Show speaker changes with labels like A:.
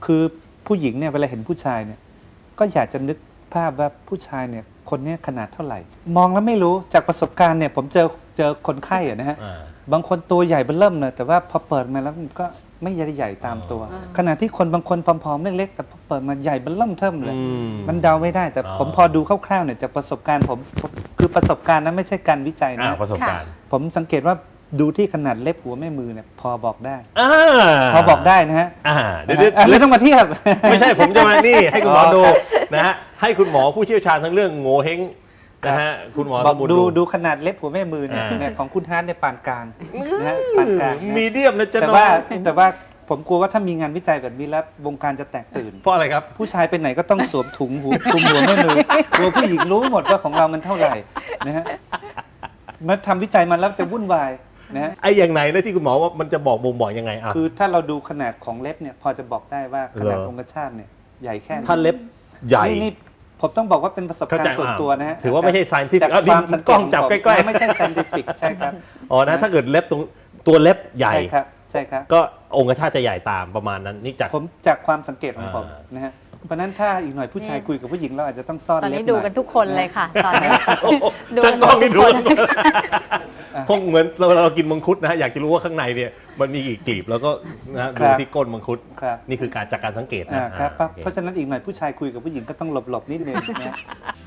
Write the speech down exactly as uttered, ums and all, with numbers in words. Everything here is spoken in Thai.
A: คือผู้หญิงเนี่ยเวลาเห็นผู้ชายเนี่ยก็อยากจะนึกภาพว่าผู้ชายเนี่ยคนนี้ขนาดเท่าไหร่ มองแล้วไม่รู้จากประสบการณ์เนี่ยผมเจอเจอคนไข้อะนะฮะบางคนตัวใหญ่เบ้อเริ่มเลยแต่ว่าพอเปิดมาแล้วมันก็ไม่ใหญ่ใหญ่ตามตัว ขณะที่คนบางคนผอมๆเล็กๆแต่พอเปิดมาใหญ่เบ้อเริ่มเทิ่มเลยมันเดาไม่ได้แต่ผมพอดูคร่าวๆเนี่ยจากประสบการณ์ผมคือประสบการณ์นั้นไม่ใช่การวิจัยนะ
B: ประสบการณ์
A: ผมสังเกตว่าดูที่ขนาดเล็บหัวแม่มือเนี่ยพอบอกได้
B: อ่า
A: พอบอกได้นะฮะ
B: อ่า
A: เดี๋
B: เดี๋
A: ย
B: ยว ว
A: ไม่ต้องมาเทียบ
B: ไม่ใช่ผมจะมานี่ให้คุณหมอ
A: อ๋อ
B: ดูนะฮะให้คุณหมอผู้เชี่ยวชาญทั้งเรื่องโง่เฮงนะฮะคุณหมอ
A: บอก
B: สมุน
A: ดูดูขนาดเล็บหัวแม่มือเนี่ย
B: อ่า
A: เนี่ยของคุณฮาร์ดเนี่ยปานกลางนะฮะปานกลางนะ
B: มีเดียมนะจ๊ะ
A: แต่
B: น้อง
A: ว่าแต่ว่าผมกลัวว่าถ้ามีงานวิจัยแบบนี้แล้ววงการจะแตกตื่น
B: เพราะอะไรครับ
A: ผู้ชายไปไหนก็ต้องสวมถุงหูคลุมหัวแม่มือกลัวผู้หญิงรู้หมดว่าของเรามันเท่าไหร่นะฮะเมื่อทำวิจัยมาแล้วจะวุ่นวายนะฮะ
B: ไอ้อย่างไหนนะที่คุณหมอว่ามันจะบอกบ่งบอกยังไงอ่ะ
A: คือถ้าเราดูขนาดของเล็บเนี่ยพอจะบอกได้ว่าขนาด
B: เหรอ
A: องคชาตเนี่ยใหญ่แค่ไหน
B: ถ้าเล็บใหญ่
A: นี่นี่ผมต้องบอกว่าเป็นประสบ
B: เข้า
A: การ
B: ใจ
A: ณ์ส่วนตัวนะฮะ
B: ถือว่าไม่ใช่ scientific
A: จาก
B: เอาดิ
A: ความสังเก
B: กล้
A: ต
B: องจับ
A: ข
B: ใกล้ๆ
A: ไม่ใช่ scientific ใช่ครับ
B: อ๋อนะถ้าเกิดเล็บตรงตัวเล็บใหญ่
A: ใช่ครับใช่ครับ
B: ก็องคชาตจะใหญ่ตามประมาณนั้นนี่จาก
A: ผมจากความสังเกตของผม
B: อ่า
A: นะฮะเพราะฉะนั้นถ้าอีกหน่อยผู้ชายคุยกับผู้หญิงเราอาจจะต้องซ่อน
C: ตอน
A: เล็บ
C: นี้
A: ห
C: ดู
A: น่อย
C: กันทุกคนเลยค่ะ ตอนนี้ ดู
B: ช่างกล้องนี่ดู
C: กันทุกคน
B: คงเหมือนเราเรากินมังคุดนะฮะอยากจะรู้ว่าข้างในเนี่ยมันมีกี่กลีบแล้วก็นะฮะ
A: ครั
B: ดู
A: บ
B: ที่ก้นมังคุด
A: ครับ
B: นี่คือการจากการสังเกตนะ
A: อ่าครับ
B: อ่าโอเค
A: เพราะฉะนั้นอีกหน่อยผู้ชายคุยกับผู้หญิงก็ต้องหลบๆนิดนึงนะ